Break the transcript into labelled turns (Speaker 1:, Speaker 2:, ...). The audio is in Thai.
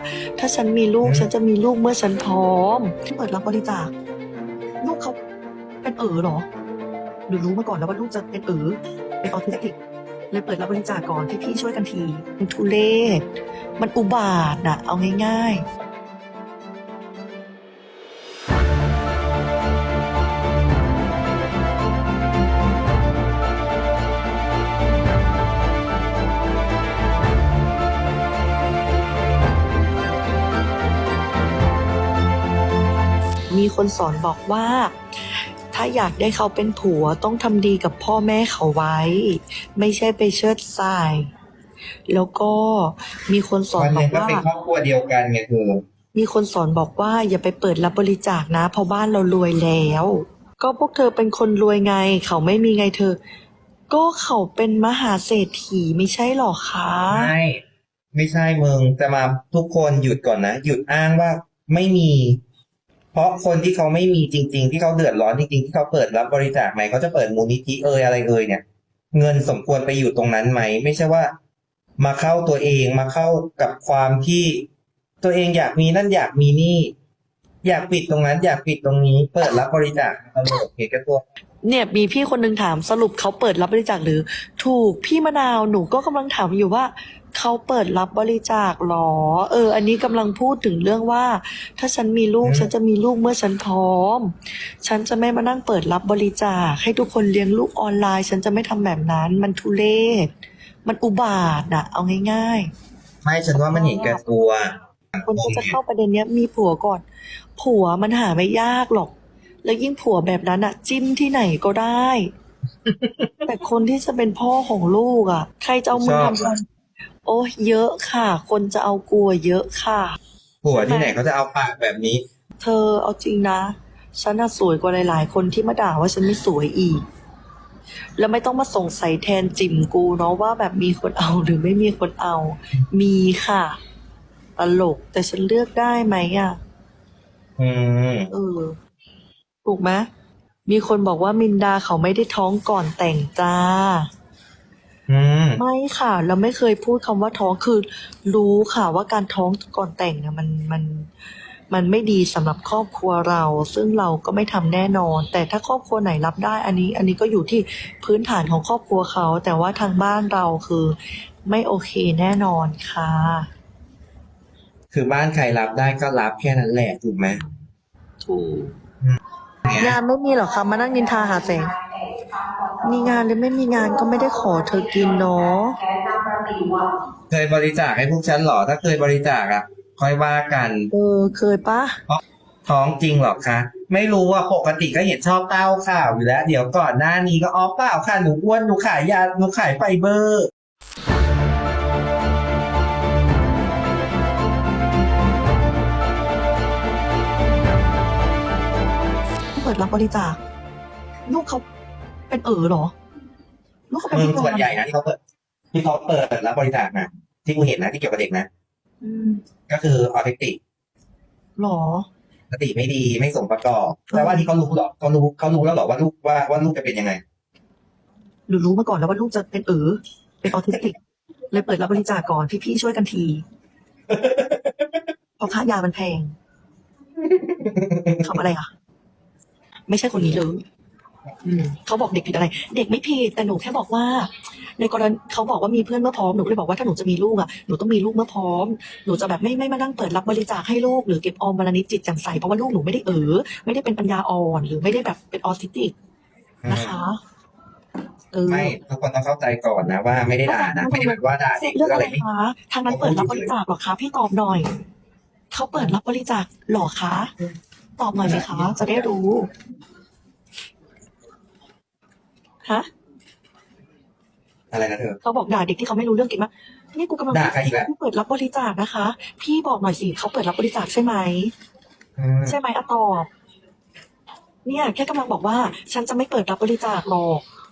Speaker 1: ถ้าฉันมีลูกฉันจะมีลูกเมื่อฉันพร้อมที่เปิดรับบริจาคลูกเขาเป็นเหรอหรือรู้มาก่อนแล้วว่าลูกจะเป็นเป็นออทิสติกเลยเปิดรับบริจาคก่อนพี่ช่วยกันทีมันทุเรศมันอุบาทอะเอาง่ายๆมีคนสอนบอกว่าถ้าอยากได้เขาเป็นผัวต้องทำดีกับพ่อแม่เขาไว้ ไม่ใช่ไปเชิดทราย แล้วก็มีคนสอน
Speaker 2: วัน
Speaker 1: บ
Speaker 2: ห
Speaker 1: อ
Speaker 2: นึ่
Speaker 1: ก
Speaker 2: งก็
Speaker 1: ว่า
Speaker 2: เป็นครอบครัวเดียวกันไงเธอ
Speaker 1: มีคนสอนบอกว่าอย่าไปเปิดรับบริจาคนะเพราะบ้านเรารวยแล้ว ก็พวกเธอเป็นคนรวยไง เขาไม่มีไงเธอ ก็เขาเป็นมหาเศรษฐีไม่ใช่หรอคะ
Speaker 2: ไม่ใช่มึงจะมาทุกคนหยุดก่อนนะหยุดอ้างว่าไม่มี เพราะคนที่เขาไม่มีจริงๆที่เขาเดือดร้อนจริงๆที่เขาเปิดรับบริจาคไหมเขาจะเปิดมูลนิธิอะไรเนี่ย เงินสมควรไปอยู่ตรงนั้นไหมไม่ใช่ว่า มาเข้าตัวเองมาเข้ากับความที่ตัวเองอยากมีนั่นอยากมีนี่ อยากปิดตรงนั้นอยากปิดตรงนี้ เปิดรับบริจาคตลกเหตุกันตัว
Speaker 1: เนี่ยมีพี่คนนึงถามสรุปเขาเปิดรับบริจาคหรือ ถูกพี่มะนาวหนูก็กำลังถามอยู่ว่าเขาเปิดรับบริจาคหรอ อันนี้กำลังพูดถึงเรื่องว่า ถ้าฉันมีลูกฉันจะมีลูกเมื่อฉันพร้อม ฉันจะไม่มานั่งเปิดรับบริจาคให้ทุกคนเลี้ยงลูกออนไลน์ ฉันจะไม่ทำแบบนั้นมันทุเรศมันอุบาทอะเอาง่ายๆ
Speaker 2: ไม่ฉันว่ามันเห็นแก่ตัว
Speaker 1: คนก็จะเข้าประเด็นเนี้ยมีผัวก่อน ผัวมันหาไม่ยากหรอก แล้วยิ่งผัวแบบนั้นอะจิ้มที่ไหนก็ได้ แต่คนที่จะเป็นพ่อของลูกอะใครจะเอามึงทำอะไรโอ้เยอะค่ะ คนจะเอากลัวเยอะค่ะ
Speaker 2: ผัวที่ไหนเขาจะเอาปากแบบนี้
Speaker 1: เธอเอาจริงนะ ฉันน่ะสวยกว่าหลายๆ คนที่มาด่าว่าฉันไม่สวยอีก แล้วไม่ต้องมาสงสัยแทนจิ๋มกูเนาะว่าแบบมีคนเอาหรือไม่มีคนเอา มีค่ะ ตลกแต่ฉันเลือกได้ไหมอะ
Speaker 2: อืม
Speaker 1: ถูกไหมมีคนบอกว่ามินดาเขาไม่ได้ท้องก่อนแต่งจ้า
Speaker 2: อืม
Speaker 1: ไม่ค่ะ เราไม่เคยพูดคำว่าท้องคือ รู้ค่ะว่าการท้องก่อนแต่งเนี่ยมันไม่ดีสำหรับครอบครัวเรา ซึ่งเราก็ไม่ทำแน่นอน แต่ถ้าครอบครัวไหนรับได้ อันนี้ก็อยู่ที่พื้นฐานของครอบครัวเขา แต่ว่าทางบ้านเราคือ ไม่โอเคแน่นอนค่ะ
Speaker 2: คือบ้านใครรับได้ก็รับแค่นั้นแหละถูกไหม
Speaker 1: ถูกงานไม่มีหรอคะมานั่งนินทาหาแสง มีงานหรือไม่มีงานก็ไม่ได้ขอเธอกินเนาะ
Speaker 2: เคยบริจาคให้พวกฉันเหรอ ถ้าเคยบริจาคอ่ะ ค่อยว่ากัน
Speaker 1: เคยปะ
Speaker 2: ท้องจริงเหรอคะ ไม่รู้ว่าปกติก็เห็นชอบเต้าข่าวอยู่แล้ว เดี๋ยวก่อนหน้านี้ก็เปล่าค่ะหนูอ้วนหนูขายยาหนูขายไฟเบอร์
Speaker 1: เปิดรับบริจาคลูกเขาเป็นเหรอ ลูกเขาเป็น
Speaker 2: มึง
Speaker 1: พิการ
Speaker 2: ส่วนใหญ่นะที่เขาเปิดรับบริจาคนะที่กูเห็นนะที่เกี่ยวกับเด็กนะ
Speaker 1: อืม
Speaker 2: ก็คือออทิสติก
Speaker 1: หรอ
Speaker 2: สติไม่ดีไม่สมประกอบแต่ว่าที่เขารู้หรอเขารู้แล้วหรอว่าลูกว่าลูกจะเป็นยังไง
Speaker 1: หรือรู้มาก่อนแล้วว่าลูกจะเป็นเป็นออทิสติก เลยเปิดรับบริจาคก่อนพี่ช่วยกันทีเพราะค่ายามันแพงทำอะไรอ่ะ ไม่ใช่คนนี้เลยเขาบอกเด็กผิดอะไร เด็กไม่ผิดแต่หนูแค่บอกว่า ในกรณีเขาบอกว่ามีเพื่อนเมื่อพร้อมหนูก็เลยบอกว่าถ้าหนูจะมีลูกอ่ะหนูต้องมีลูกเมื่อพร้อมหนูจะแบบไม่มานั่งเปิดรับบริจาคให้ลูกหรือเก็บออมวันละนิดจิตแจ่มใสเพราะว่าลูกหนูไม่ได้ไม่ได้เป็นปัญญาอ่อนหรือไม่ได้แบบเป็นออทิสติกนะคะ
Speaker 2: ไม่ทุกคนต้องเข้าใจก่อนนะว่าไม่ได้ด่านะไม่ได้แบบว่าด่าเด็กห
Speaker 1: เรื่
Speaker 2: รือ อง
Speaker 1: อะ
Speaker 2: อะไร ไรไม่
Speaker 1: คะทางนั้นเปิดรับบริจาคหรอคะพี่ตอบหน่อยเขาเปิดรับบริจาคหรอคะตอบหน่อยสิคะจะได้รู้ฮะ
Speaker 2: อะไรนะเธอ
Speaker 1: เขาบอกด่าเด็กที่เขาไม่รู้เรื่องเก่งมากนี่กูกำลัง
Speaker 2: ด่าใครอีกแล้ว
Speaker 1: พี่เปิดรับบริจาคนะคะ พี่บอกหน่อยสิเขาเปิดรับบริจาคใช่ไหม ใช่ไหมอะตอบ เนี่ยแค่กำลังบอกว่า ฉันจะไม่เปิดรับบริจาคหรอก